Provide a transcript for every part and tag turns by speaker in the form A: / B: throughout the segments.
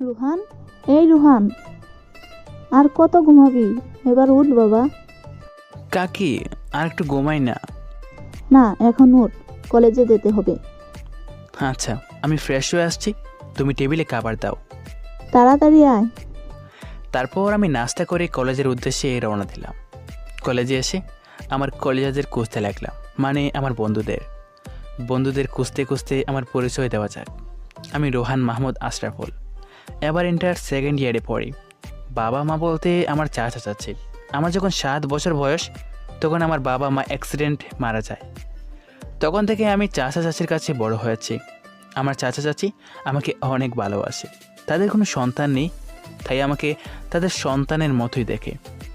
A: রুহান, এই রুহান, আর কত ঘুমাবি? এবার উঠ বাবা।
B: কাকি, আর একটু ঘুমাই না।
A: না, এখন উঠ, কলেজে যেতে হবে।
B: আচ্ছা, আমি ফ্রেশ হয়ে আসছি, তুমি টেবিলে খাবার দাও।
A: তাড়াতাড়ি আয়।
B: তারপর আমি নাস্তা করে কলেজের উদ্দেশ্যে রওনা দিলাম। কলেজে এসে আমার কলেজাদের খুঁজতে লাগলাম, মানে আমার বন্ধুদের খুঁজতে খুঁজতে আমার পরিচয় দেওয়া যাক। আমি রোহান মাহমুদ আশরাফুল, এবার ইন্টার সেকেন্ড ইয়ারে পড়ি। বাবা মা বলতে আমার চাচা চাচি। আমার যখন 7 বছর বয়স তখন আমার বাবা মা অ্যাক্সিডেন্ট মারা যায়। তখন থেকে আমি চাচা চাচির কাছে বড় হয়েছি। আমার চাচা চাচি আমাকে অনেক ভালোবাসে। তাদের কোনো সন্তান নেই, তাই আমাকে তাদের সন্তানের মতোই দেখে।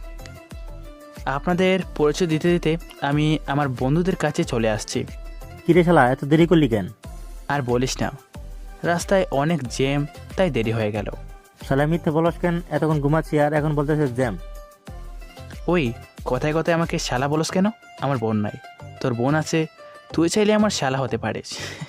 B: আপনাদের পরিচয় দিতে দিতে আমি আমার বন্ধুদের কাছে চলে আসছি।
C: কিরে শালা, এত দেরি করলি কেন?
B: আর বলিস না, রাস্তায় অনেক জ্যাম, তাই দেরি হয়ে গেল।
C: শালা মিথ্যে বলস কেন? এতক্ষণ ঘুমাচ্ছি আর এখন বলতেছে জ্যাম।
B: ওই কথায় কথায় আমাকে শালা বলস কেন? আমার বোন নাই, তোর বোন আছে, তুই চাইলে আমার শালা হতে পারিস।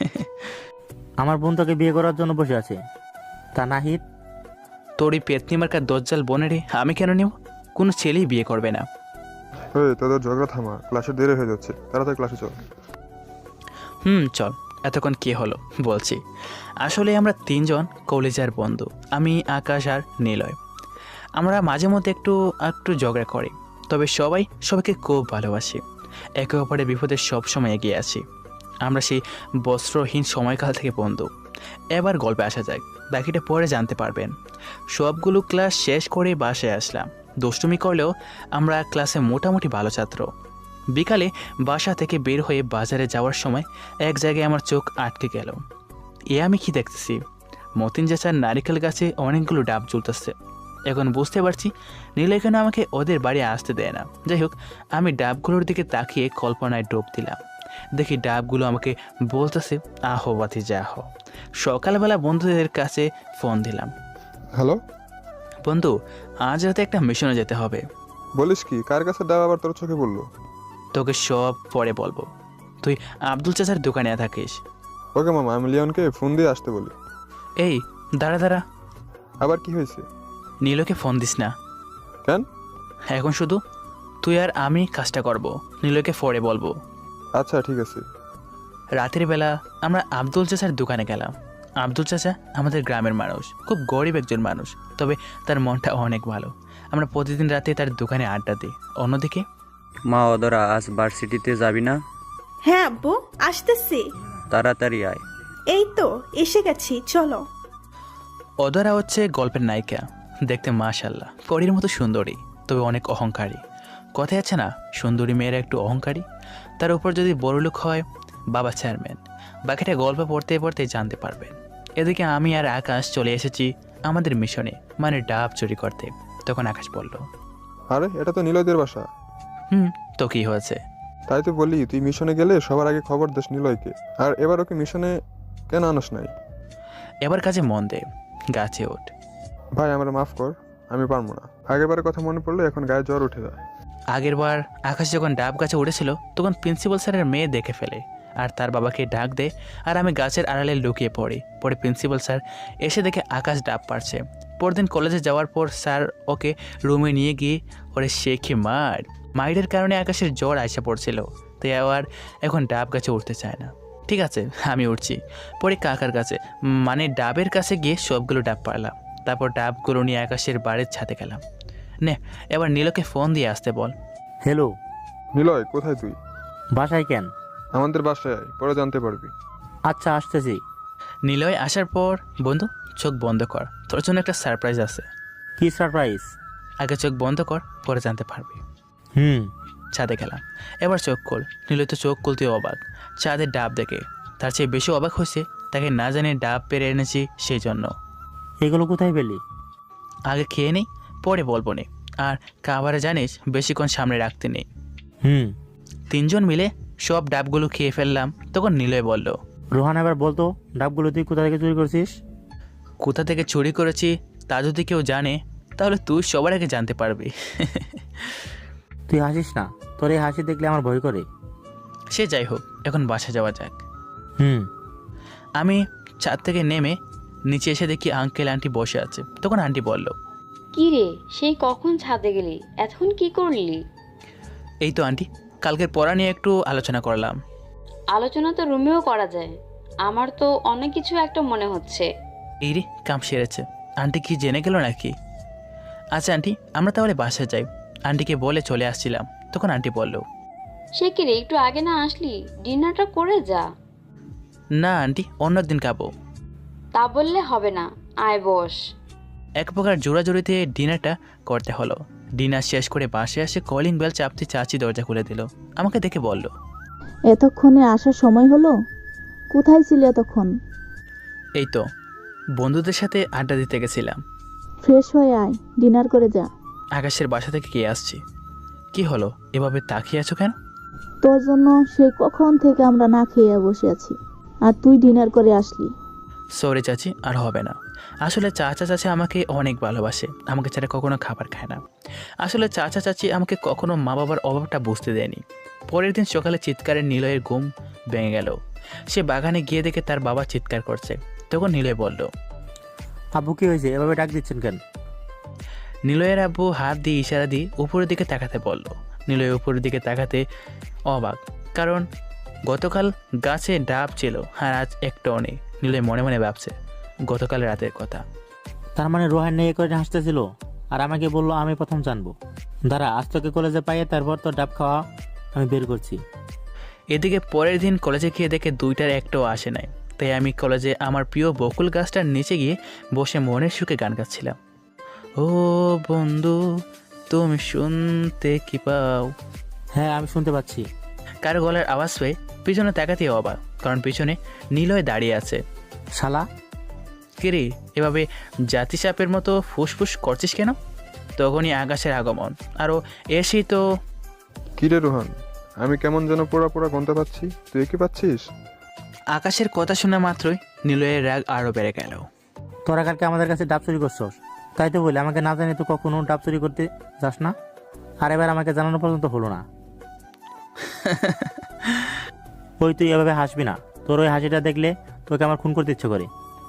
C: আমার বোন তোকে বিয়ে করার জন্য বসে আছে। তা নাহিদ?
B: তোর এই পেতনি মার্কার দজ্জাল বোনেরে আমি কেন নেব? কোনো ছেলেই বিয়ে করবে না।
D: তোদের ঝগড়া থামা, ক্লাসে দেরি হয়ে যাচ্ছে, তাড়াতাড়ি ক্লাসে চল।
B: চল, এতক্ষণ কি হলো বলছি। আসলে আমরা 3 জন কলেজের বন্ধু, আমি, আকাশ আর নিলয়। আমরা মাঝে মধ্যে একটু একটু ঝগড়া করি, তবে সবাই সবাইকে খুব ভালোবাসি। একে অপরের বিপদে সবসময় এগিয়ে আছি। আমরা সেই বস্ত্রহীন সময়কাল থেকে বন্ধু। এবার গল্পে আসা যাক, বাকিটা পরে জানতে পারবেন। সবগুলো ক্লাস শেষ করে বাসায় আসলাম। দুষ্টুমি করলেও আমরা ক্লাসে মোটামুটি ভালো ছাত্র। বিকালে বাসা থেকে বের হয়ে বাজারে যাওয়ার সময় এক জায়গায় আমার চোখ আটকে গেল। আমি কি দেখতেছি, মতিন চাচার নারিকেল গাছে অনেকগুলো ডাব ঝুলতেছে। এখন বুঝতে পারছি নীলয় কেন আমাকে ওদের বাড়ি আসতে দেয় না। যাই হোক, আমি ডাবগুলোর দিকে তাকিয়ে কল্পনায় ডুব দিলাম। দেখি ডাবগুলো আমাকে বলতেছে, আহো বাতি যা আহো। সকালবেলা বন্ধুদের কাছে ফোন দিলাম।
D: হ্যালো,
B: বন্ধু, আজ রাতে একটা মিশনে যেতে হবে।
D: বলিস কি? কার কাছে ডাব আবার তোর চোখে পড়লো?
B: তোকে সব পরে বলবো, তুই আব্দুল চাচার দোকানে থাকিস।
D: ওকে মামা, আমি লিওনকে ফোন দিয়ে আসতে বলি।
B: এই দাঁড়া দাঁড়া,
D: আবার কি হয়েছে?
B: নীলকে ফোন দিস না।
D: কেন?
B: এখন শুধু তুই আর আমি কাজটা করব, নীলকে পরে বলবো।
D: আচ্ছা ঠিক আছে।
B: রাতের বেলা আমরা আব্দুল চাচার দোকানে গেলাম। আব্দুল চাচা আমাদের গ্রামের মানুষ, খুব গরিব একজন মানুষ, তবে তার মনটা অনেক ভালো। আমরা প্রতিদিন রাতে তার দোকানে আড্ডা দিই। অন্যদিকে
E: মা, ওদরা আজ ভার্সিটিতে যাবি না?
F: হ্যাঁ আব্বু, আসতেছি।
E: তাড়াতাড়ি আয়।
F: এই তো এসে গেছি, চলো।
B: অদরা হচ্ছে গল্পের নায়িকা, দেখতে মাশাআল্লাহ পরীর মতো সুন্দরী, তবে অনেক অহংকারী। কথায় আছে না, সুন্দরী মেয়েরা একটু অহংকারী। তার উপর যদি বড়লোক হয়, বাবা চেয়ারম্যান। বাকিটা গল্প পড়তে পড়তে জানতে পারবেন। এদিকে আমি আর আকাশ চলে এসেছি আমাদের মিশনে, মানে ডাব চুরি করতে। তখন আকাশ বলল,
D: আরে এটা তো নিলয়দের বাসা।
B: তো কি হয়েছে?
D: তাই তো বলি, তুই মিশনে গেলে সবার আগে খবর দিস নিলয়কে। আর এবার ওকে মিশনে কেন আনস নাই?
B: এবার কাজে মন দে, গাছে ওঠ।
D: ভাই আমার মাফ কর, আমি পারবো না। আগেরবারের কথা মনে পড়লে এখন গায়ে জ্বর উঠে যায়।
B: আগের বার আকাশ যখন ডাব গাছে উঠেছিল তখন প্রিন্সিপাল স্যারের মেয়ে দেখে ফেলে আর তার বাবাকে ডাক দেয়, আর আমি গাছের আড়ালে লুকিয়ে পড়ি। পরে প্রিন্সিপাল স্যার এসে দেখে আকাশ ডাব পারছে। পরদিন কলেজে যাওয়ার পর স্যার ওকে রুমে নিয়ে গিয়ে ওরে শেখে মাইরের কারণে আকাশের জ্বর আইসা পড়ছিল, তাই আবার এখন ডাব গাছে উঠতে চায় না। ঠিক আছে, আমি উঠছি। পরে কাকার কাছে, মানে ডাবের কাছে গিয়ে সবগুলো ডাব পারলাম। তারপর ডাবগুলো নিয়ে আকাশের বাড়ির ছাদে গেলাম। নে, এবার নীলকে ফোন দিয়ে আসতে বল।
C: হ্যালো।
D: নিলয় কোথায় তুই?
C: বাসায় কেন?
D: আমাদের বাসায় আয়, পরে জানতে পারবি।
C: আচ্ছা আসতেছি।
B: নিলয় আসার পর, বন্ধু চোখ বন্ধ কর, তোর জন্য একটা সারপ্রাইজ আছে।
C: কি সারপ্রাইজ?
B: আগে চোখ বন্ধ কর, পরে জানতে পারবি। ছাদে গেলাম, এবার চোখ খোল। নিলয় তো চোখ খুলতে অবাক, চাঁদের ডাব দেখে। তার চেয়ে বেশি অবাক হয়েছে, তাকে না জানে ডাব পেরে এনেছি সেই জন্য।
C: এগুলো কোথায় পেলি?
B: আগে খেয়ে নেই, পরে বলবো নে। আর খাবারে জানিস বেশিক্ষণ সামনে রাখতে নেই। 3 জন মিলে সব ডাবগুলো খেয়ে ফেললাম। তখন নিলয় বলল,
C: রোহান এবার বলতো, ডাবগুলো তুই কোথা থেকে চুরি করছিস?
B: কোথা থেকে চুরি করেছি তা যদি কেউ জানে তাহলে তুই সবার আগে জানতে পারবি।
C: তুই হাসিস না, তোর এই হাসি দেখলে আমার ভয় করে।
B: সে যাই হোক, এখন বাসা যাওয়া যাক।
C: হুম
B: আমি ছাদ থেকে নেমে নিচে এসে দেখি আঙ্কেল আন্টি বসে আছে। তখন আন্টি বলল,
G: কি রে, সেই কখন ছাদে গেলি? এখন কি করলি?
B: এই তো আন্টি, কালকের পড়া নিয়ে একটু আলোচনা করলাম।
G: আলোচনা তো রুমেও করা যায়। আমার তো অনেক কিছু একটা মনে হচ্ছে।
B: এই রে, কাম সেরেছে। আন্টি কি জেনে গেল নাকি? আচ্ছা আন্টি, আমরা তাহলে বাসায় যাই। আন্টিকে বলে চলে আসছিলাম, তখন আন্টি বলল,
G: সে কি রে, একটু আগে না আসলি? ডিনারটা করে যা।
B: না আন্টি, অন্যদিন খাবো।
G: তা বললে হবে না, আয় বস।
B: এক প্রকার জোড়াজোড়িতে ডিনারটা করতে হলো। ডিনার শেষ করে বাসে আসে কলিং বেল চাপতে চাচি দরজা খুলে দিল। আমাকে দেখে বলল,
A: এতক্ষণে আসার সময় হলো? কোথায় ছিলে এতক্ষণ?
B: এই তো বন্ধুদের সাথে আড্ডা দিতে গেছিলাম।
A: ফ্রেশ হয়ে আয়, ডিনার করে যা।
B: আকাশের বাসা থেকে কে আসছি? কি হলো, এভাবে তাকিয়ে আছো কেন?
A: তোর জন্য সেই কখন থেকে আমরা না খেয়ে বসে আছি, আর তুই ডিনার করে আসলি।
B: সরি চাচি, আর হবে না। আসলে চাচা চাচি আমাকে অনেক ভালোবাসে, আমাকে ছাড়া কখনো খাবার খায় না। আসলে চাচা চাচি আমাকে কখনো মা বাবার অভাবটা বুঝতে দেয়নি। পরের দিন সকালে চিৎকারে নিলয়ের ঘুম ভেঙে গেল। সে বাগানে গিয়ে দেখে তার বাবা চিৎকার করছে। তখন নিলয় বলল,
C: আব্বু কি হয়েছে, এভাবে ডাক দিচ্ছেন কেন?
B: নিলয়ের আব্বু হাত দিয়ে ইশারা দিয়ে উপরের দিকে তাকাতে বলল। নিলয় উপরের দিকে তাকাতে অবাক, কারণ গতকাল গাছে ডাব ছিল আর আজ একটাও নেই। নিলয় মনে মনে ভাবছে গতকাল রাতের কথা।
C: তার মানে রোহান নিয়ে করে হাসতেছিল আর আমাকে বললো আমি প্রথম জানবো। দাঁড়া, আজ তোকে কলেজে পাইয়ে তারপর তো ডাব খাওয়া আমি বের করছি।
B: এদিকে পরের দিন কলেজে গিয়ে দেখে দুইটার একটাও আসে নাই। তাই আমি কলেজে আমার প্রিয় বকুল গাছটার নিচে গিয়ে বসে মনের সুখে গান গাচ্ছিলাম। ও বন্ধু, তুমি শুনতে কি পাও?
C: হ্যাঁ, আমি শুনতে পাচ্ছি।
B: কারো গলার আওয়াজ পেয়ে পিছনে তাকাতে অবাক, কারণ পিছনে নিলয় দাঁড়িয়ে আছে।
C: শালা,
B: কিরে, এভাবে জাতিসাপের মতো ফুসফুস করছিস কেন? তখনই আকাশের আগমন, আরও এসেই তো।
D: কিরে রোহান, আমি কেমন যেন পোড়া পোড়া গন্ধ পাচ্ছি, তুই কি পাচ্ছিস?
B: আকাশের কথা শোনা মাত্রই নিলয়ের রাগ আরও বেড়ে গেল।
C: তোরা কালকে আমাদের কাছে ডাব চুরি করছস, তাই তো বলে আমাকে না জানি তো কখনো ডাব চুরি করতে যাস না। আর এবার আমাকে জানানো পর্যন্ত হলো না। ওই তুই এভাবে হাসবি না, তোর ওই হাসিটা দেখলে তোকে আমার খুন করতে ইচ্ছে করে।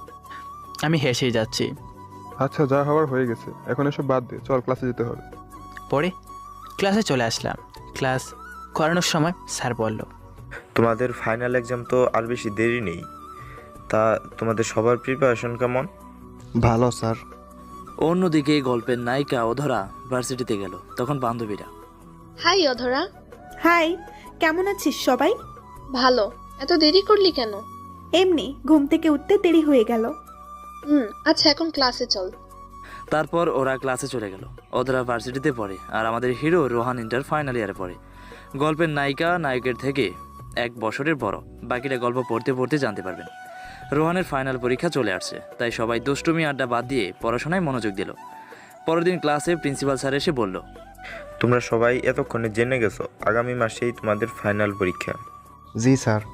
B: আমি হেসেই যাচ্ছি।
D: আচ্ছা, যা হওয়ার হয়ে গেছে, এখন এসব বাদ দে, চল ক্লাসে যেতে হবে।
B: পরে ক্লাসে চলে আসলাম। ক্লাস করানোর সময় স্যার বলল,
H: তোমাদের ফাইনাল এক্সাম তো আর বেশি দেরি নেই, তা তোমাদের সবার প্রিপারেশন কেমন?
I: ভালো স্যার।
J: অন্যদিকে গল্পের নায়িকা অধরা ভার্সিটিতে গেল। তখন বান্ধবীরা,
K: হাই অধরা।
F: হাই, কেমন আছিস সবাই?
K: ভালো। এত দেরি করলি কেন?
F: এমনি ঘুম থেকে উঠতে দেরি হয়ে গেল।
K: আচ্ছা, এখন ক্লাসে চল।
J: তারপর ওরা ক্লাসে চলে গেল। অধরা ভার্সিটিতে পড়ে আর আমাদের হিরো রোহান ইন্টার ফাইনাল ইয়ারে পড়ে। গল্পের নায়িকা নায়কের থেকে 1 বছরের বড়। বাকিটা গল্প পড়তে পড়তে জানতে পারবেন। রোহানের ফাইনাল পরীক্ষা চলে আসছে, তাই সবাই দুষ্টুমি আড্ডা বাদ দিয়ে পড়াশোনায় মনোযোগ দিল। পরের দিন ক্লাসে প্রিন্সিপাল স্যার এসে বলল,
H: তোমরা সবাই এতক্ষণে জেনে গেছো আগামী মাসেই তোমাদের ফাইনাল পরীক্ষা।
I: জি স্যার।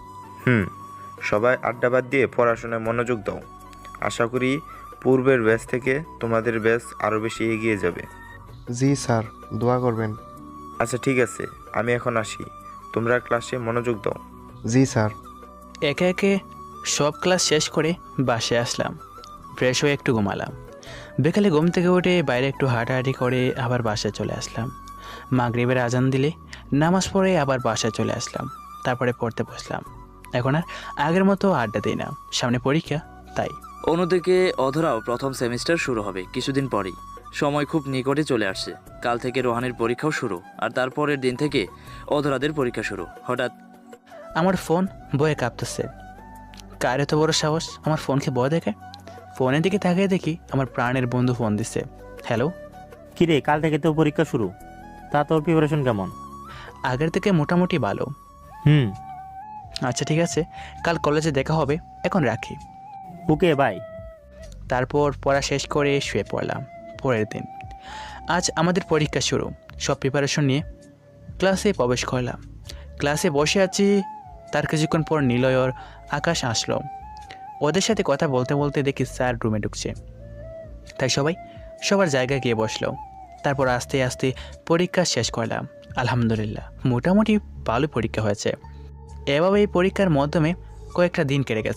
H: সবাই আড্ডা বাদ দিয়ে পড়াশোনায় মনোযোগ দাও। আশা করি পূর্বের ব্যাচ থেকে তোমাদের ব্যাচ আরও বেশি এগিয়ে যাবে।
I: জি স্যার, দোয়া করবেন।
H: আচ্ছা ঠিক আছে, আমি এখন আসি, তোমরা ক্লাসে মনোযোগ দাও।
I: জি স্যার।
B: একে একে সব ক্লাস শেষ করে বাসায় আসলাম। ফ্রেশ হয়ে একটু ঘুমালাম। বিকালে ঘুম থেকে উঠে বাইরে একটু হাঁটাহাঁটি করে আবার বাসায় চলে আসলাম। মাগরিবের আজান দিলে নামাজ পড়ে আবার বাসায় চলে আসলাম। তারপরে পড়তে বসলাম। এখন আর আগের মতো আড্ডা দিই না, সামনে পরীক্ষা তাই।
J: অন্যদিকে অধরাও প্রথম সেমিস্টার শুরু হবে কিছুদিন পরেই। সময় খুব নিকটে চলে আসছে। কাল থেকে রোহানের পরীক্ষাও শুরু, আর তারপরের দিন থেকে অধরাদের পরীক্ষা শুরু। হঠাৎ
B: আমার ফোন বয়ে কাঁপতেছে। কার এত বড় সাহস আমার ফোনকে বয় দেখে? ফোনের দিকে তাকিয়ে দেখি আমার প্রাণের বন্ধু ফোন দিচ্ছে। হ্যালো।
C: কিরে, কাল থেকে তো পরীক্ষা শুরু, তা তোর প্রিপারেশন কেমন?
B: আগের থেকে মোটামুটি ভালো। আচ্ছা ঠিক আছে, কাল কলেজে দেখা হবে, এখন রাখি।
C: Okay bye.
B: তারপর পড়া শেষ করে শুয়ে পড়লাম। পরের দিন আজ আমাদের পরীক্ষা শুরু। সব প্রিপারেশন নিয়ে ক্লাসে প্রবেশ করলাম। ক্লাসে বসে আছি, তার কিছুক্ষণ পর নিলয় আর আকাশ আসলো। ওদের সাথে কথা বলতে বলতে দেখি স্যার রুমে ঢুকছে, তাই সবাই সবার জায়গায় গিয়ে বসলো। তারপর আস্তে আস্তে পরীক্ষা শেষ করলাম। আলহামদুলিল্লাহ মোটামুটি ভালো পরীক্ষা হয়েছে। এভাবে এই পরীক্ষার মাধ্যমে কয়েকটা দিন কেটে গেছে।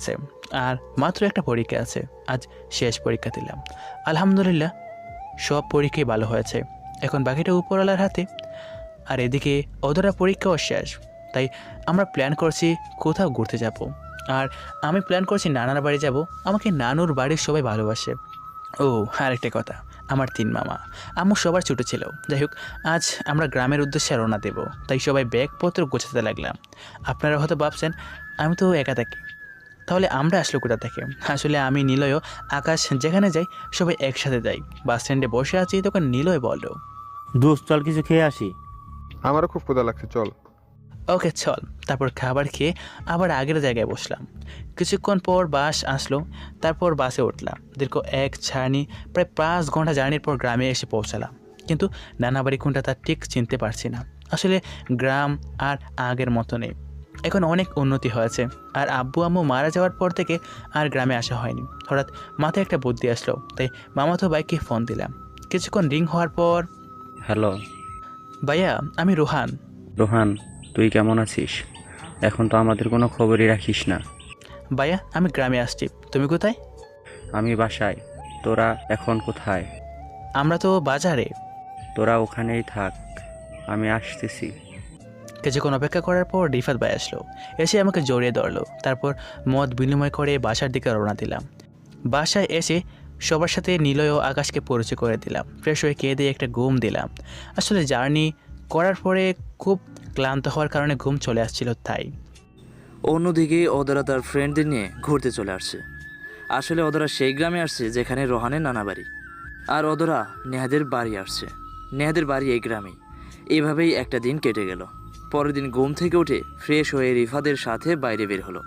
B: আর মাত্র একটা পরীক্ষা আছে, আজ শেষ পরীক্ষা দিলাম। আলহামদুলিল্লাহ সব পরীক্ষাই ভালো হয়েছে, এখন বাকিটা উপরওয়ালার হাতে। আর এদিকে ওদেরা পরীক্ষাও শেষ, তাই আমরা প্ল্যান করছি কোথাও ঘুরতে যাব। আর আমি প্ল্যান করছি নানার বাড়ি যাব, আমাকে নানুর বাড়ির সবাই ভালোবাসে। ও আরেকটা কথা, আমার 3 মামা, আম্মু সবার ছোটো ছিল। যাই হোক, আজ আমরা গ্রামের উদ্দেশ্যে রওনা দেব, তাই সবাই ব্যাগপত্র গোছাতে লাগলাম। আপনারা হয়তো ভাবছেন আমি তো একা থাকি, তাহলে আমরা আসলো কোথা থেকে? আসলে আমি, নিলয়, আকাশ যেখানে যাই সবাই একসাথে যাই। বাস স্ট্যান্ডে বসে আছি, তখন নিলয় বলল,
C: দোস্ত চল কিছু খেয়ে আসি।
D: আমারও খুব ক্ষুধা লাগছে, চল।
B: ওকে চল। তারপর খাবার খেয়ে আবার আগের জায়গায় বসলাম। কিছুক্ষণ পর বাস আসলো, তারপর বাসে উঠলাম। দীর্ঘ এক ছাড়নি, প্রায় 5 ঘন্টা জার্নির পর গ্রামে এসে পৌঁছালাম। কিন্তু নানাবাড়ি কোনটা তা ঠিক চিনতে পারছি না। আসলে গ্রাম আর আগের মতো নেই, এখন অনেক উন্নতি হয়েছে। আর আব্বু আম্মু মারা যাওয়ার পর থেকে আর গ্রামে আসা হয়নি। হঠাৎ মাথায় একটা বুদ্ধি আসলো, তাই মামাতো ভাইকে ফোন দিলাম। কিছুক্ষণ রিং হওয়ার পর,
E: হ্যালো
B: ভাইয়া আমি রোহান।
E: রোহান, তুই কেমন আছিস? এখন তো আমাদের কোনো খবরই রাখিস না।
B: ভাইয়া আমি গ্রামে আসছি, তুমি কোথায়?
E: আমি বাসায়। তোরা এখন কোথায়?
B: আমরা তো বাজারে।
E: তোরা ওখানেই থাক, আমি আসতেছি।
B: কিছুক্ষণ অপেক্ষা করার পর রিফাত ভাই আসলো, এসে আমাকে জড়িয়ে ধরলো। তারপর মত বিনিময় করে বাসার দিকে রওনা দিলাম। বাসায় এসে সবার সাথে নিলয় ও আকাশকে পরিচয় করে দিলাম। ফ্রেশ হয়ে খেয়ে দিয়ে একটা ঘুম দিলাম। আসলে জার্নি করার পরে খুব ক্লান্ত হওয়ার কারণে ঘুম চলে আসছিল, তাই।
J: অন্যদিকে ওদেরা তার ফ্রেন্ডদের নিয়ে ঘুরতে চলে আসছে। আসলে ওদেরা সেই গ্রামে আসছে যেখানে রোহানের নানা বাড়ি, আর ওদেরা নেহাদের বাড়ি আসছে। নেহাদের বাড়ি এই গ্রামেই। এভাবেই একটা দিন কেটে গেল। পরের দিন ঘুম থেকে উঠে ফ্রেশ হয়ে রিফাদের সাথে বাইরে বের হলো,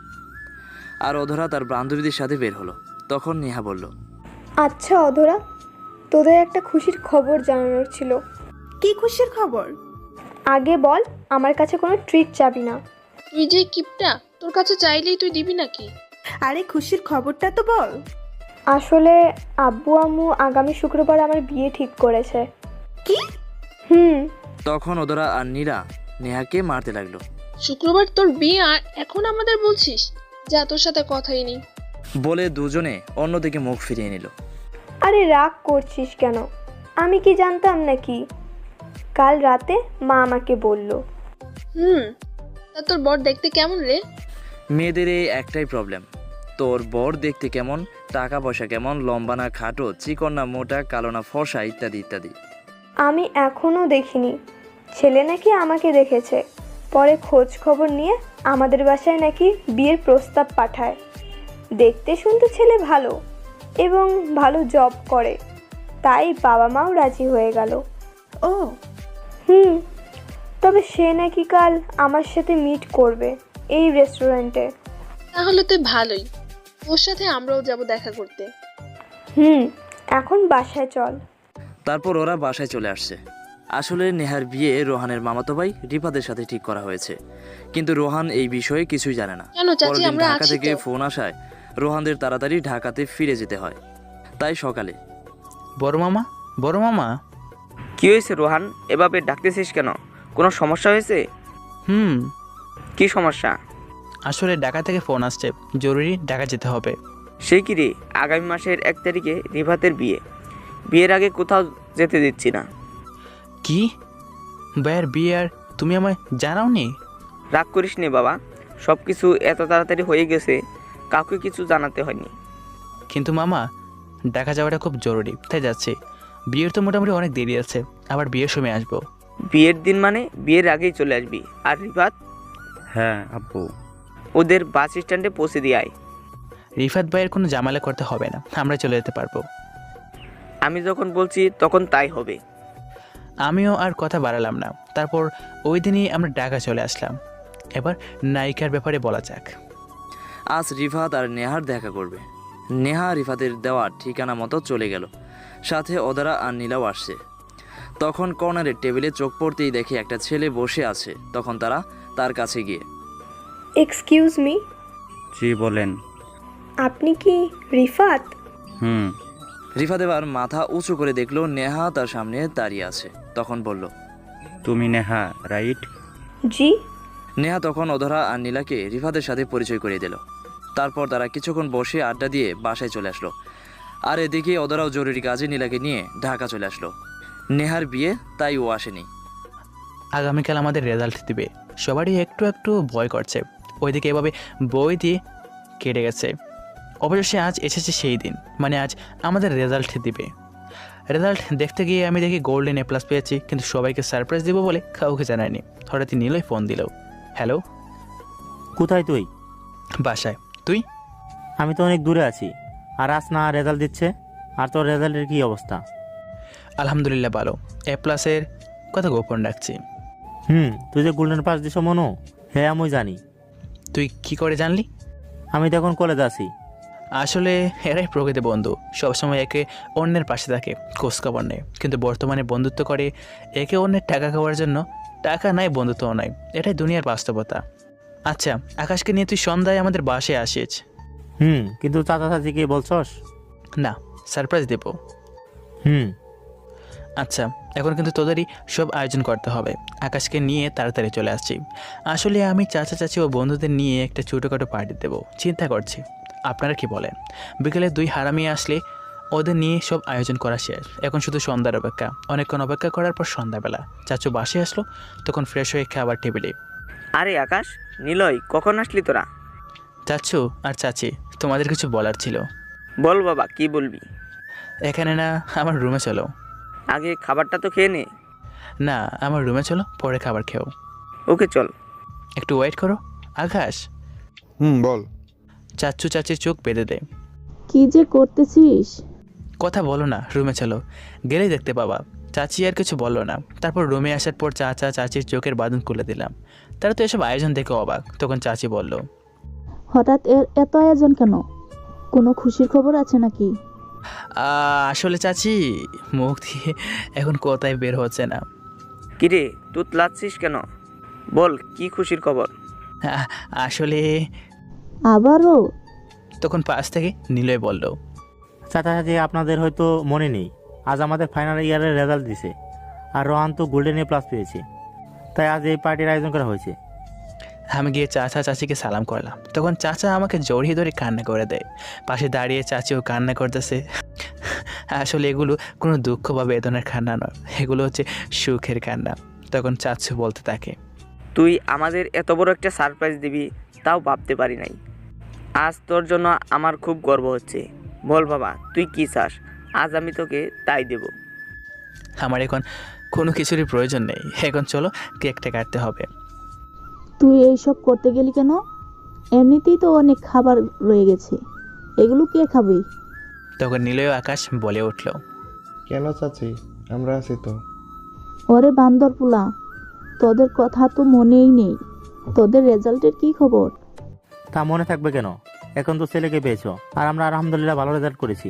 J: আর অধরা তার বান্ধবীদের সাথে বের হলো। তখন নেহা বলল,
L: আচ্ছা অধরা, তোদের একটা খুশির খবর জানানোর ছিল।
F: কি খুশির খবর?
L: আগে বল, আমার কাছে কোনো ট্রিট চাবি না।
K: তুই যে কিপটা, তোর কাছে চাইলেই তুই দিবি নাকি?
F: আরে খুশির খবরটা তো বল।
L: আসলে আব্বু আম্মু আগামী শুক্রবার আমার বিয়ে ঠিক করেছে।
F: কি?
J: তখন ওদরা আর নীরা নেহাকে মারতে লাগলো।
K: শুক্রবার তোর বিয়ে আর এখন আমাদের বলছিস? যা, তোর সাথে কথাই নেই।
J: বলে দুজনে অন্যদিকে মুখ ফিরিয়ে নিল।
L: আরে রাগ করছিস কেন? আমি কি জানতাম নাকি? কাল রাতে মা আমাকে বলল।
K: তা তোর বর দেখতে কেমন রে?
J: মেয়েদের এই একটাই প্রবলেম, তোর বর দেখতে কেমন, টাকা পয়সা কেমন, লম্বা না খাটো, চিকন না মোটা, কালো না ফর্সা, ইত্যাদি ইত্যাদি।
L: আমি এখনো দেখিনি। ছেলে নাকি আমাকে দেখেছে, পরে খোঁজ খবর নিয়ে আমাদের বাসায় নাকি বিয়ের প্রস্তাব পাঠায়। দেখতে শুনতে ছেলে ভালো এবং ভালো জব করে, তাই বাবা মাও রাজি হয়ে গেল।
F: ও
L: তবে সে নাকি কাল আমার সাথে মিট করবে এই রেস্টুরেন্টে।
K: তাহলে তুই ভালোই, ওর সাথে আমরাও যাব দেখা করতে।
L: এখন বাসায় চল।
J: তারপর ওরা বাসায় চলে আসছে। আসলে নেহার বিয়ে রোহানের মামাতো ভাই রিফাদের সাথে ঠিক করা হয়েছে, কিন্তু রোহান এই বিষয়ে কিছুই জানে না।
K: কেন চাচি,
J: পরদিন
K: আমরা
J: ঢাকা
K: আছি
J: থেকে
K: তো।
J: ফোন আসায় রোহানদের তাড়াতাড়ি ঢাকাতে ফিরে যেতে হয়। তাই সকালে,
B: বড় মামা।
M: কি হয়েছে রোহান, এভাবে ডাকতেছিস কেন? কোনো সমস্যা হয়েছে? কি সমস্যা?
B: আসলে ঢাকা থেকে ফোন আসছে, জরুরি ঢাকা যেতে হবে।
M: সেই কি রে, আগামী মাসের 1 তারিখে রিফাতের বিয়ে। বিয়ের আগে কোথাও যেতে দিচ্ছি না।
B: কি? ভাইয়ের বিয়ে আর তুমি আমায় জানাওনি?
M: রাগ করিস নে বাবা, সব কিছু এত তাড়াতাড়ি হয়ে গেছে, কাউকে কিছু জানাতে হয়নি।
B: কিন্তু মামা, ঢাকা যাওয়াটা খুব জরুরি, তাই যাচ্ছি। বিয়ের তো মোটামুটি অনেক দেরি আছে, আবার বিয়ের সময় আসবো।
M: বিয়ের দিন মানে বিয়ের আগেই চলে আসবি। আর রিফাত?
E: হ্যাঁ আব্বু।
M: ওদের বাস স্ট্যান্ডে পৌঁছে দিয়ে আয়।
B: রিফাত ভাইয়ের কোনো ঝামেলা করতে হবে না, আমরা চলে যেতে পারবো।
M: আমি যখন বলছি তখন তাই হবে।
B: আমিও আর কথা বাড়ালাম না। তারপর ওই দিনই আমরা ঢাকা চলে আসলাম। এবার নায়িকার ব্যাপারে বলা যাক।
J: আজ রিফাত আর নেহার দেখা করবে। নেহা রিফাতের দেওয়া ঠিকানা মতো চলে গেল, সাথে ওদরা আর নীলাও আসছে। তখন কর্নারের টেবিলে চোখ পড়তেই দেখে একটা ছেলে বসে আছে। তখন তারা তার কাছে গিয়ে,
L: এক্সকিউজ মি।
E: জি বলেন।
L: আপনি কি রিফাত?
J: রিফাত এবার মাথা উঁচু করে দেখলো নেহা তার সামনে দাঁড়িয়ে আছে। তখন বলল,
E: তুমি নেহা, রাইট?
L: জি।
J: নেহা তখন অধরা আর নীলাকে রিফাতের সাথে পরিচয় করিয়ে দিল। তারপর তারা কিছুক্ষণ বসে আড্ডা দিয়ে বাসায় চলে আসলো। আর এদিকে ওদেরাও জরুরি কাজে নীলাকে নিয়ে ঢাকা চলে আসলো। নেহার বিয়ে, তাই ও আসেনি।
B: আগামীকাল আমাদের রেজাল্ট দিবে, সবারই একটু একটু ভয় করছে। ওইদিকে এভাবে বই দিয়ে কেটে গেছে। অবশেষে আজ এসেছে সেই দিন, মানে আজ আমাদের রেজাল্ট দিবে। রেজাল্ট দেখতে গিয়ে আমি দেখি গোল্ডেন A+ পেয়েছি, কিন্তু সবাইকে সারপ্রাইজ দেবো বলে কাউকে জানায়নি। হঠাৎই নীলই ফোন দিল। হ্যালো।
C: কোথায় তুই?
B: বাসায়। তুই?
C: আমি তো অনেক দূরে আছি। আর আজ না রেজাল্ট দিচ্ছে, আর তোর রেজাল্টের কি অবস্থা?
B: আলহামদুলিল্লাহ ভালো। A+-এর কথা গোপন রাখছি।
C: তুই যে গোল্ডেন পাস দিছ মনো? হ্যাঁ আমি জানি।
B: তুই কি করে জানলি?
C: আমি তো এখন কলেজে আছি।
B: আসলে এরাই প্রকৃত বন্ধু, সবসময় একে অন্যের পাশে থাকে, খোঁজখবর নেয়। কিন্তু বর্তমানে বন্ধুত্ব করে একে অন্যের টাকা খাওয়ার জন্য। টাকা নাই, বন্ধুত্বও নাই, এটাই দুনিয়ার বাস্তবতা। আচ্ছা, আকাশকে নিয়ে তুই সন্ধ্যায় আমাদের বাসায় আসিস।
C: কিন্তু চাচা চাচিকে বলছস?
B: না, সারপ্রাইজ দেব। আচ্ছা, এখন কিন্তু তোদেরই সব আয়োজন করতে হবে। আকাশকে নিয়ে তাড়াতাড়ি চলে আসছি। আসলে আমি চাচা চাচি ও বন্ধুদের নিয়ে একটা ছোটোখাটো পার্টি দেবো চিন্তা করছি। আপনারা কি বলেন? বিকেলে 2 হারামি আসলে ওদের নিয়ে সব আয়োজন করা শেষ। এখন শুধু সন্ধ্যার অপেক্ষা। অনেকক্ষণ অপেক্ষা করার পর সন্ধ্যাবেলা চাচু বাসে আসলো, তখন ফ্রেশ হয়ে খাবার টেবিলে।
M: আরে আকাশ, নিলয়, কখন আসলি তোরা?
B: চাচু আর চাচি, তোমাদের কিছু বলার ছিল।
M: বল বাবা, কি বলবি?
B: এখানে না, আমার রুমে চলো।
M: আগে খাবারটা তো খেয়ে নে।
B: না, আমার রুমে চলো, পরে খাবার খেও।
M: ওকে চল।
B: একটু ওয়েট করো। আকাশ।
D: বল।
B: চাচু চাচির চোখ বেঁধে দেয়।
A: কি যে করতেছিস?
B: কথা বলো না, রুমে চলো, গেলেই দেখতে পাবা। চাচি আর কিছু বললো না। তারপর রুমে আসার পর চাচা চাচির চোখের বাঁধন খুলে দিলাম। তারা তো এসব আয়োজন দেখে অবাক। তখন চাচি বলল,
A: হঠাৎ এত আয়োজন কেন? কোনো খুশির খবর আছে নাকি?
B: আসলে চাচি, মুখ দিয়ে এখন কোথায় বের হচ্ছে না।
M: কিরে, তুই লাচ্ছিস কেন? বল, কি খুশির খবর?
B: আসলে
A: আবারও?
B: তখন পাশ থেকে নিলয় বলল,
C: চাচা চাচি আপনাদের হয়তো মনে নেই, আজ আমাদের ফাইনাল ইয়ারের রেজাল্ট দিছে। আর রোহান তো গোল্ডেন A+ পেয়েছে, তাই আজ এই পার্টির আয়োজন করা হয়েছে।
B: আমি গিয়ে চাচা চাচিকে সালাম করলাম। তখন চাচা আমাকে জড়িয়ে ধরে কান্না করে দেয়। পাশে দাঁড়িয়ে চাচিও কান্না করতেছে। আসলে এগুলো কোনো দুঃখ বা বেদনার কান্না নয়, এগুলো হচ্ছে সুখের কান্না। তখন চাচু বলতে থাকে,
M: তুই আমাদের এত বড় একটা সারপ্রাইজ দিবি, তাও ভাবতে পারি নাই। আজ তোর জন্য আমার খুব গর্ব হচ্ছে। বল বাবা, তুই কি চাস? আজ আমি তোকে তাই দেব।
B: আমার এখন কোনো কিছুরই প্রয়োজন নেই, এখন চলো কেকটা কাটতে হবে।
A: তুই এইসব করতে গেলি কেন? এমনিতেই তো অনেক খাবার রয়ে গেছে, এগুলো কে খাবে?
B: তখন নিলয় আকাশ বলে উঠল,
I: কেন চাচি, আমরা আছি তো।
A: ওরে বান্দর পোলা, তোদের কথা তো মনেই নেই। তোদের রেজাল্টের কি খবর?
C: তা মনে থাকবে কেন? এখন তো ছেলেকে পেয়েছো, আর আমরা আলহামদুলিল্লাহ ভালো রেজাল্ট করেছি।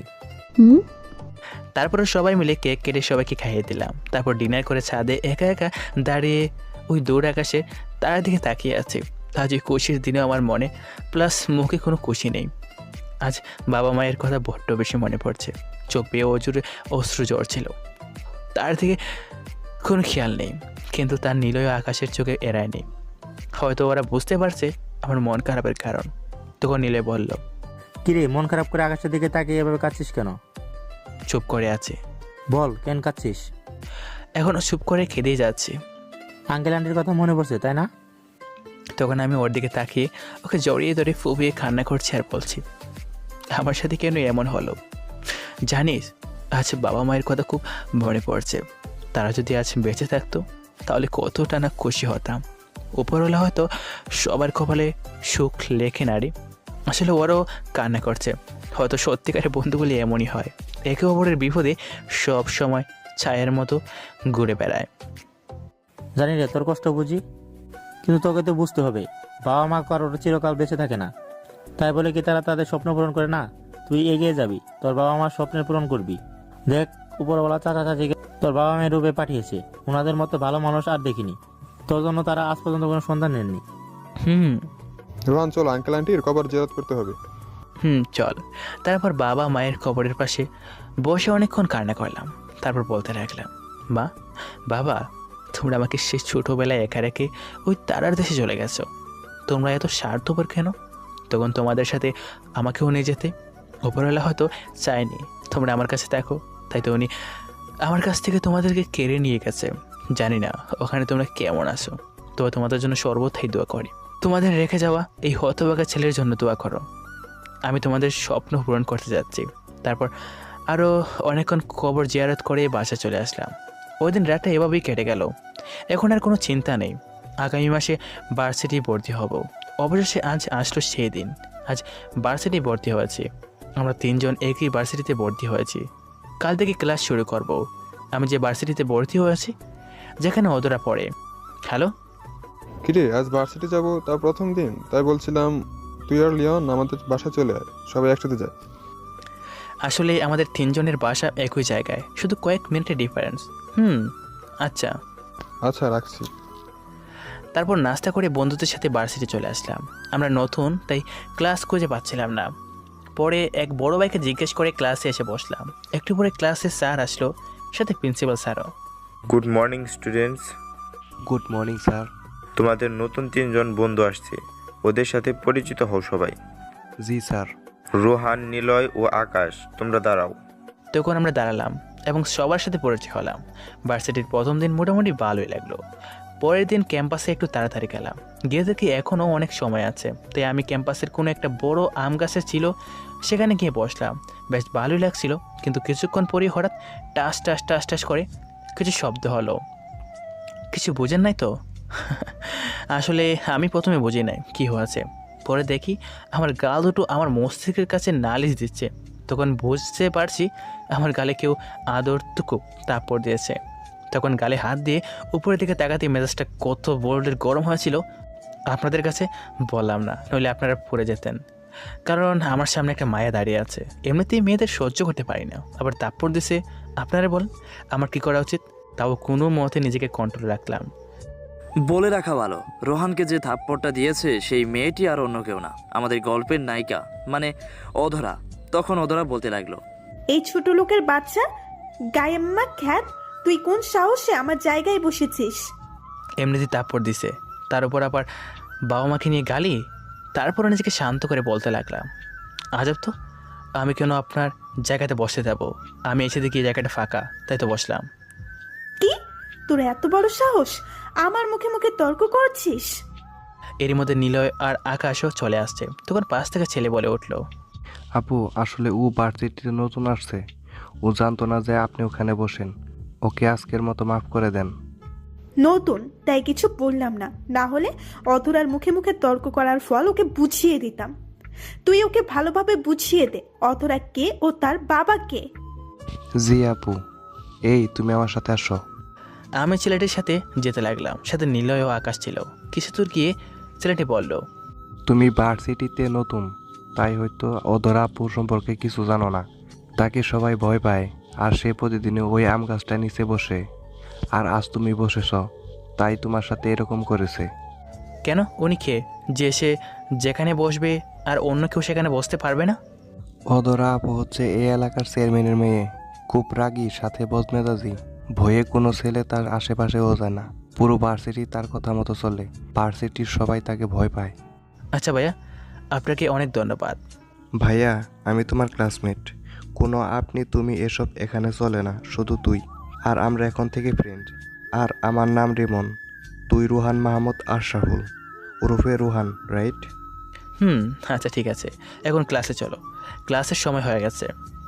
B: তারপরে সবাই মিলে কেক কেটে সবাইকে খাইয়ে দিলাম। তারপর ডিনার করে ছাদে একা একা দাঁড়িয়ে ওই দূর আকাশে তার দিকে তাকিয়ে আছে। আজ ওই খুশির দিনে আমার মনে প্লাস মুখে কোনো খুশি নেই। আজ বাবা মায়ের কথা বড্ড বেশি মনে পড়ছে। চোখ বেয়ে অজুরে অশ্রু ঝরছিল। তার দিকে কোনো খেয়াল নেই, কিন্তু তার নিলয় আকাশের চোখে এড়ায়নি। হয়তো ওরা বুঝতে পারছে আমার মন খারাপের কারণ। তখন নিলয় বলল,
C: কিরে, মন খারাপ করে আকাশের দিকে তাকিয়ে এভাবে কাঁদছিস কেন?
B: চুপ করে আছে।
C: বল, কেন কাঁদছিস?
B: এখনও চুপ করে খেতেই যাচ্ছি।
C: আঙ্কেল আন্টির কথা মনে পড়ছে, তাই না?
B: তখন আমি ওর দিকে তাকিয়ে ওকে জড়িয়ে ধরে ফুবিয়ে কান্না করছি আর বলছি, আমার সাথে কেন এমন হলো? জানিস, আজ বাবা মায়ের কথা খুব মনে পড়ছে। তারা যদি আজ বেঁচে থাকতো তাহলে কতটা না খুশি হতাম। উপরওয়ালা হয়তো সবার কপালে সুখ লেখে না রে। আসলে ওরাও কান্না করছে। হয়তো সত্যিকারের বন্ধুগুলি এমনই হয়, একে অপরের বিপদে সব সময় ছায়ের মতো ঘুরে বেড়ায়।
C: জানি রে, তোর কষ্ট বুঝি, কিন্তু তোকে তো বুঝতে হবে বাবা মা কারোর চিরকাল বেঁচে থাকে না। তাই বলে কি তারা তাদের স্বপ্ন পূরণ করে না? তুই এগিয়ে যাবি, তোর বাবা মার স্বপ্নের পূরণ করবি। দেখ, উপরওয়ালা চাচা চাচিকে তোর বাবা মায়ের রূপে পাঠিয়েছে। ওনাদের মতো ভালো মানুষ আর দেখিনি। তোর জন্য তারা আজ পর্যন্ত কোনো সন্ধান নেননি।
D: রোহান, চল, আঙ্কেল আন্টির কবর জিয়ারত করতে হবে।
B: চল। তারপর বাবা মায়ের কবরের পাশে বসে অনেকক্ষণ কান্না করলাম। তারপর বলতে লাগলাম, মা, বাবা, তোমরা আমাকে সে ছোটোবেলায় একা রেখে ওই তারার দেশে চলে গেছো। তোমরা এত স্বার্থপর কেন? তখন তোমাদের সাথে আমাকেও নিয়ে যেতে। ওপরওয়ালা হয়তো চায়নি তোমরা আমার কাছে দেখো, তাই তো উনি আমার কাছ থেকে তোমাদেরকে কেড়ে নিয়ে গেছে। জানি না ওখানে তোমরা কেমন আছো, তবে তোমাদের জন্য সর্বথাই দোয়া করি। তোমাদের রেখে যাওয়া এই হতভাগা ছেলের জন্য দোয়া করো। আমি তোমাদের স্বপ্ন পূরণ করতে যাচ্ছি। তারপর আরও অনেকক্ষণ কবর জিয়ারত করে বাসা চলে আসলাম। ওই দিন রাতটা এভাবেই কেটে গেল। এখন আর কোনো চিন্তা নেই, আগামী মাসে ভার্সিটি ভর্তি হব। অবশেষে আজ আসলো সেই দিন। আজ ভার্সিটি ভর্তি হয়েছি। আমরা 3 জন একই ভার্সিটিতে ভর্তি হয়েছি। কাল থেকে ক্লাস শুরু করব। আমি যে ভার্সিটিতে ভর্তি হয়েছি, যেখানে ওদরা পড়ে। হ্যালো,
D: কিরে আজ ভার্সিটি যাব, তা প্রথম দিন, তাই বলছিলাম তুই আর লিওন আমাদের বাসা চলে আয়, সবাই একসাথে যায়।
B: আসলে আমাদের 3 জনের বাসা একই জায়গায়, শুধু কয়েক মিনিটের ডিফারেন্স। আচ্ছা
D: আচ্ছা রাখছি।
B: তারপর নাস্তা করে বন্ধুদের সাথে ভার্সিটি চলে আসলাম। আমরা নতুন, তাই ক্লাস খুঁজে পাচ্ছিলাম না। পরে এক বড় ভাইকে জিজ্ঞেস করে ক্লাসে এসে বসলাম। একটু পরে ক্লাসে স্যার আসলো, সাথে প্রিন্সিপাল স্যারও।
H: Good morning students.
I: Good morning sir.
H: তোমাদের নতুন 3 জন বন্ধু আসছে, ওদের সাথে পরিচিত হও সবাই।
I: জি স্যার।
H: রোহান, নিলয় ও আকাশ, তোমরা দাঁড়াও।
B: তখন আমরা দাঁড়ালাম এবং সবার সাথে পরিচয় হলাম। ভার্সিটির প্রথম দিন মোটামুটি ভালোই লাগলো। পরের দিন ক্যাম্পাসে একটু তাড়াতাড়ি গেলাম। গিয়ে দেখি এখনও অনেক সময় আছে, তাই আমি ক্যাম্পাসের কোনো একটা বড় আম গাছে ছিল, সেখানে গিয়ে বসলাম। বেশ ভালোই লাগছিল, কিন্তু কিছুক্ষণ পরেই হঠাৎ টাস টাস টাস টাস করে কিছু শব্দ হলো। কিছু বোঝেন নাই তো? আসলে আমি প্রথমে বুঝি নাই কী হয়েছে। পরে দেখি আমার গাল দুটো আমার মস্তিষ্কের কাছে নালিশ দিচ্ছে। তখন বুঝতে পারছি আমার গালে কেউ আদরটুকু তাপড় দিয়েছে। তখন গালে হাত দিয়ে উপরের দিকে তাকাতে মেজাজটা কত বোল্ডের গরম হয়েছিল আপনাদের কাছে বললাম না, নইলে আপনারা পড়ে যেতেন। কারণ আমার সামনে একটা মায়া দাঁড়িয়ে আছে। এমনিতেই মেয়েদের সহ্য করতে পারি না, আবার তাপড় দিছে। আপনারা বলেন আমার কি করা উচিত? তাও কোনো মতে নিজেকে কন্ট্রোল রাখলাম।
J: বলে রাখা ভালো, রোহানকে যে থাপ্পড়টা দিয়েছে সেই মেয়েটি আর অন্য কেউ না, আমাদের গল্পের নায়িকা মানে অধরা। তখন অধরা বলতে লাগলো,
F: এই ছোট লোকের বাচ্চা গায়েম্মা খ্যাত, তুই কোন সাহসে আমার জায়গায় বসেছিস?
B: এমনিতেই তাপড় দিছে, তার উপর আবার বাবা মাকে নিয়ে গালি। তারপর নিজেকে শান্ত করে বলতে লাগলাম, আজব তো, আমি কেন আপনার জায়গাতে বসতে যাব? আমি এসে দেখি এই জায়গাটা ফাঁকা, তাই তো বসলাম।
F: কি, তোর এত বড় সাহস আমার মুখে মুখে তর্ক করছিস?
B: এরই মধ্যে নিলয় আর আকাশও চলে আসছে। তখন পাশ থেকে ছেলে বলে উঠলো,
I: আপু আসলে ও ভার্সিটিতে নতুন আসছে, ও জানতো না যে আপনি ওখানে বসেন, ওকে আজকের মতো মাফ করে দেন।
F: নতুন তাই কিছু বললাম না, না হলে অধরার মুখে মুখে তর্ক করার ফল ওকে বুঝিয়ে দিতাম। তুই ওকে ভালোভাবে বুঝিয়ে দে অধরা কে ও তার বাবা কে।
I: জি আপু, এই তুমি আমার সাথে আসো।
B: আমি ছেলেটির সাথে যেতে লাগলাম। সাথে নিলয় ও আকাশ ছিল। কিছু দূর গিয়ে ছেলেটি বলল,
I: তুমি ভার্সিটিতে নতুন, তাই হয়তো অধরা আপু সম্পর্কে কিছু জানো না। তাকে সবাই ভয় পায়, আর সে প্রতিদিন ওই আম গাছটা নিচে বসে। আর আজ তুমি বসেছ, তাই তোমার সাথে এরকম করেছে।
B: কেন, উনি কে যে সে যেখানে বসবে আর অন্য কেউ সেখানে বসতে পারবে না?
I: অধরা আপু হচ্ছে এই এলাকার চেয়ারম্যানের মেয়ে, খুব রাগী, সাথে বদমেজাজি। ভয়ে কোনো ছেলে তার আশেপাশেও যায় না। পুরো ভার্সিটি তার কথা মতো চলে। ভার্সিটির সবাই তাকে ভয় পায়।
B: আচ্ছা ভাইয়া, আপনাকে অনেক ধন্যবাদ।
I: ভাইয়া, আমি তোমার ক্লাসমেট। কোনো আপনি তুমি এসব এখানে চলে না, শুধু তুই আর আমরা এখন থেকে ফ্রেন্ড। আর আমার নাম রিমন, তুই রুহান মাহমুদ আশরাফুল ওরফে রুহান, রাইট?
B: আচ্ছা ঠিক আছে, এখন ক্লাসে চলো, ক্লাসের সময় হয়ে গেছে।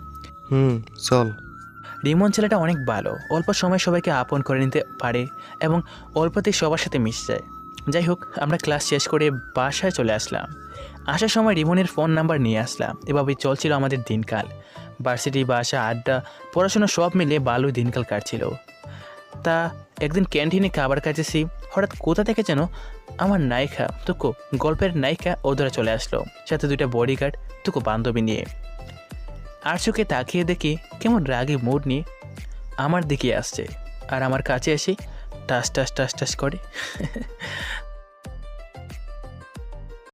I: চল।
B: রিমন ছেলেটা অনেক ভালো, অল্প সময় সবাইকে আপন করে নিতে পারে এবং অল্পতেই সবার সাথে মিশে যায়। যাই হোক, আমরা ক্লাস শেষ করে বাসায় চলে আসলাম। আসার সময় রিমনের ফোন নাম্বার নিয়ে আসলাম। এভাবেই চলছিল আমাদের দিনকাল। ভার্সিটি, বাসা, আড্ডা, পড়াশোনা সব মিলে ভালোই দিনকাল কাটছিল। তা একদিন ক্যান্টিনে খাবার খাইতেছি, হঠাৎ কোথা থেকে যেন আমার নায়িকা তুকু, গল্পের নায়িকা ওদরা চলে আসলো, সাথে 2টা বডিগার্ড, তুকু বান্ধবী নিয়ে। আর চোখে তাকিয়ে দেখি কেমন রাগী মুড নিয়ে আমার দিকে আসছে, আর আমার কাছে এসে টাস টাস টাস টাস করে।